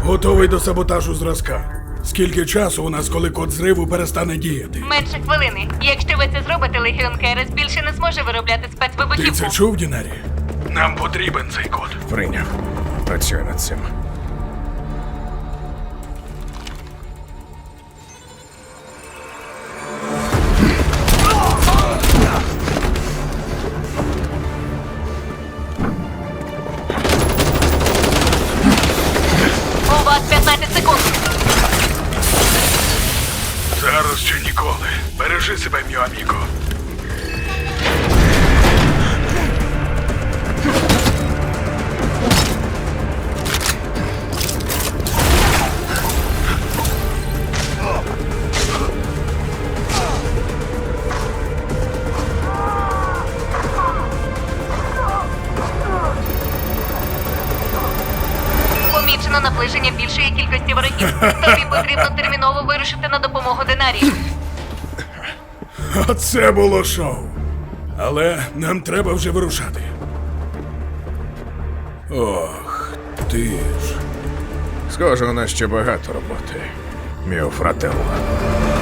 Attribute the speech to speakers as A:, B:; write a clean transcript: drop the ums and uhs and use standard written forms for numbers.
A: Готовий до саботажу зразка. Скільки часу у нас, коли код зриву перестане діяти?
B: Менше хвилини. Якщо ви це зробите, Легіон Керес більше не зможе виробляти
A: Ти
B: спецвибухівку.
A: це чув, Дінарі? Нам потрібен цей код.
C: Прийняв. Працюю над цим.
B: У вас 15 секунд.
A: Зараз чи ніколи. Бережи себе, мій аміко.
B: Помічено наближення більшої кількості ворогів. Тобі потрібно терміново вирушити на допомогу Динарії.
A: Оце було шоу. Але нам треба вже вирушати. Ох, ти ж.
C: Схоже, у нас ще багато роботи. Міо фрателло.